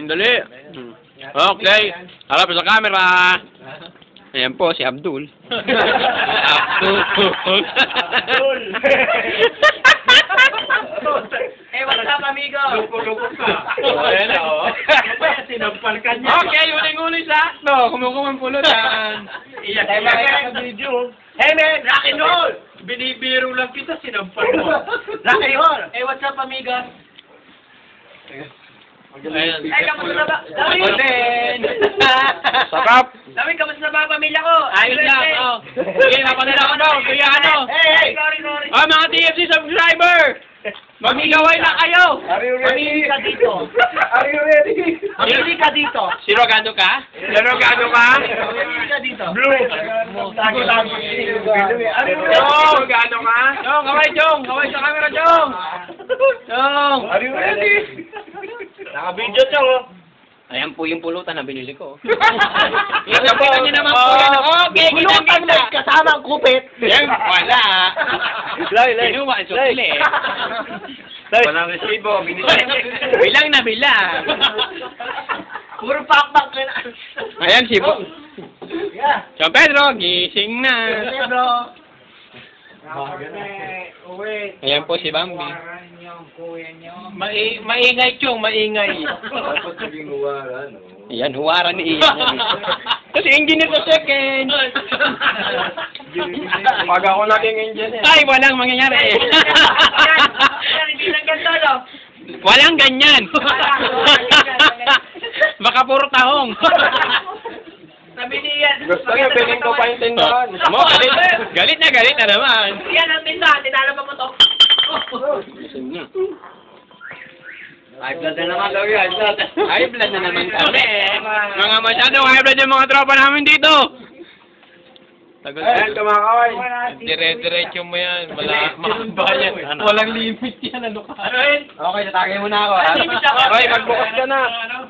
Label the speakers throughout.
Speaker 1: Dali. Okay. Harap sa camera. Ayan po, si Abdul. Abdul.
Speaker 2: What's up, amigo?
Speaker 3: Lupo-lupo ka. Ayan na, oh. Sinampal ka niya.
Speaker 1: Okay, uling-uling sakto. Kumukumang pulutan.
Speaker 3: Iyak ka sa video.
Speaker 2: Hey, man! Rock and roll!
Speaker 3: Binibiro lang kita, sinampal mo.
Speaker 2: Rock and roll! Hey, what's up, amigo?
Speaker 1: Ayan.
Speaker 2: Hey, kamusta na ba? Dami!
Speaker 1: Ako din. Sarap.
Speaker 2: Dami, kamusta na ba ang pamilya ko?
Speaker 1: Ayos lang. Oh. Sige, napadala ko daw. Kuya ano.
Speaker 2: Hey! Sorry.
Speaker 1: Oh, mga TFC subscriber. Magigaway na kayo.
Speaker 3: Are you
Speaker 2: Mamili ka dito.
Speaker 3: Are you ready?
Speaker 2: Mamili ka dito.
Speaker 1: Sirogado ka? Sirogado ka?
Speaker 2: Mamili ka dito.
Speaker 3: Blue. Tago-tago. Are you ready?
Speaker 1: Sirogado ka? Jong, kaway Jong. Kaway sa camera, Jong. Jong.
Speaker 3: Are you ready? Naka-video siya, oh.
Speaker 1: Ayan po yung pulutan na binili ko.
Speaker 3: Ito po.
Speaker 1: Kita niyo naman po yan. Okay,
Speaker 2: Pulutan
Speaker 1: kita.
Speaker 2: mo kasama ang kupit.
Speaker 1: Yan, wala. Kinuha, sukli.
Speaker 3: Walang resibo.
Speaker 1: Bilang na bilang.
Speaker 2: Puro pakpak ka na.
Speaker 1: Ayan si Bo.
Speaker 2: Yeah.
Speaker 1: San Pedro, gising na.
Speaker 2: Bro.
Speaker 1: Ayan po si Bambi.
Speaker 3: Maingay, Chong, maingay.
Speaker 1: Ayan, huwaran ni Ian. Kasi engineer sa second.
Speaker 3: Pag ako naging engineer.
Speaker 1: Ay, walang mangyayari.
Speaker 2: Yan, hindi lang ganito, no?
Speaker 1: Walang ganyan. Baka puro tahong.
Speaker 2: Sabi ni Ian.
Speaker 3: Gusto niya, piling ko pa yung tindahan.
Speaker 1: Mo, galit na naman.
Speaker 2: Yan ang tindahan, tinala mo to.
Speaker 1: High blood na naman daw yan. High blood na naman kami. Mga masyadong high blood yung mga tropa namin dito. Tagal.
Speaker 3: Ayan, kumakaway.
Speaker 1: Dire-diretso mo yan. Mahaba yan.
Speaker 3: Walang limit yan, ano ka?
Speaker 2: Ano yun?
Speaker 1: Okay, tatagay mo na ako.
Speaker 3: Okay, magbukas ka na.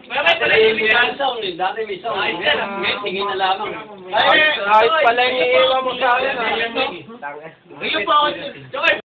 Speaker 1: Dati may song. Ngayon, tingin na lamang.
Speaker 3: Ayos pala yung iiwan mo sa akin.
Speaker 2: Ayun po ako.